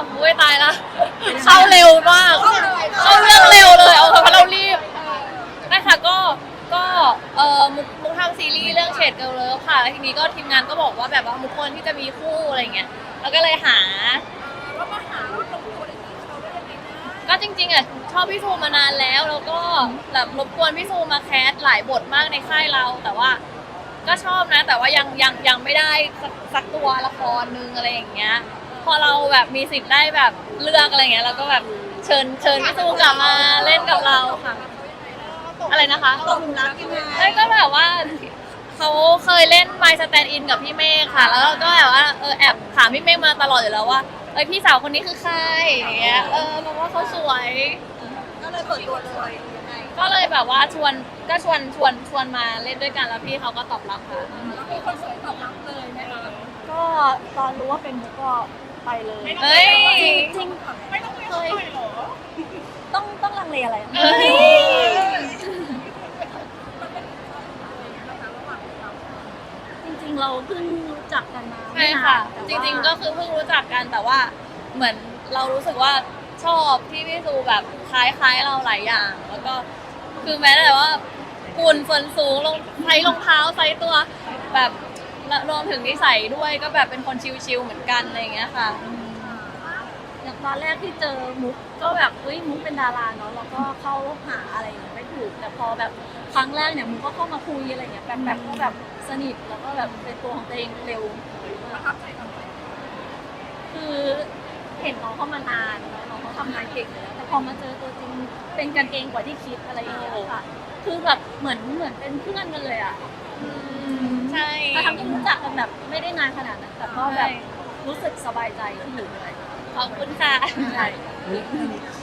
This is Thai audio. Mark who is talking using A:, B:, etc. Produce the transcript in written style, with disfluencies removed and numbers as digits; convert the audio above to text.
A: อุ้ยตายละเข้าเร็วมากเข้าเรื่องเร็วเลยเพราะเรารีบนะคะก็มุกทำซีรีส์เรื่องเฉดเกิร์ลเลิฟค่ะแล้วทีนี้ก็ทีมงานก็บอกว่าแบบว่ามุกควรที่จะมีคู่อะไรเงี้ยแล้วก็เลยหาก็จริงๆอ่ะชอบพี่ซูมานานแล้วก็แบบรบกวนพี่ซูมาแคสหลายบทมากในค่ายเราแต่ว่าก็ชอบนะแต่ว่ายังไม่ได้สักตัวละครนึงอะไรอย่างเงี้ยพอเราแบบมีสิทธิ์ได้แบบเลือกอะไรเงี้ยเราก็แบบเชิญพี่ซูกลับมาเล่นกับเราค่ะอะไรนะคะ
B: ตกหลุมรักยังไง
A: ใช่ก็แบบว่าเขาเคยเล่น My Stand In กับพี่เมฆค่ะแล้วก็แบบว่าแอบถามพี่เมฆมาตลอดอยู่แล้วว่าพี่สาวคนนี้คือใครอย่างเงี้ยแบบว่าเขาสวย
B: ก็เลยเปิดตัวเลยยังไง
A: ก็เลยแบบว่าชวนมาเล่นด้วยกันแล้วพี่เขาก็ตอบรับค่ะ
B: แล้วมีคนสวยตอบรับเลยไหมคะ
C: ก็ตอนรู้ว่าเป็นมุกก็ไปเลย
A: เฮ้ย
C: จริง
B: ไม่ต้องเคยหรอ
C: ต้องลังเลอะไรอะ
A: เฮ้ย
C: จริงๆเราเพิ่งรู้จักกันมา
A: ใช่ค่ะ
C: ไม่
A: จ
C: นาน
A: ริงๆก็คือเพิ่งรู้จักกันแต่ว่าเหมือนเรารู้สึกว่าชอบที่พี่ซูแบบคล้ายๆเราหลายอย่าง แล้วก็คือแม้แต่ว่าหุ่นส่วนสูงใส่รองเท้าใส่ตัวแบบรวมถึงนิสัยด้วยก็แบบเป็นคนชิลๆเหมือนกันอะไรอย่างเงี้ยค่ะ
C: อย่างตอนแรกที่เจอมุกก็แบบมุกเป็นดาราเนาะแล้วก็เข้าหาอะไรอย่างเงี้ยไม่ถูกแต่พอแบบครั้งแรกเนี่ยมุกก็เข้ามาคุยอะไรอย่างเงี้ยแบบก็แบบสนิทแล้วก็แบบเป็นตัวของตัวเองเร็ว
B: ประทับใจตรงไหน
C: คือเห็นน้องเขามานานแล้วน้องเขาทำงานเก่งอยู่แล้วแต่พอมาเจอตัวจริงเป็นกันเองกว่าที่คิดอะไรอย่างเงี้ยค่ะคือแบบเหมือนเป็นเพื่อนกันเลยอ่ะ
A: ใช่
C: แต่ทั้งที่รู้จักกันแบบไม่ได้นานขนาดนั้นแต่ก็แบบรู้สึกสบายใจที่อยู่ด้วย
A: ขอบคุณค่ะ
C: ใช่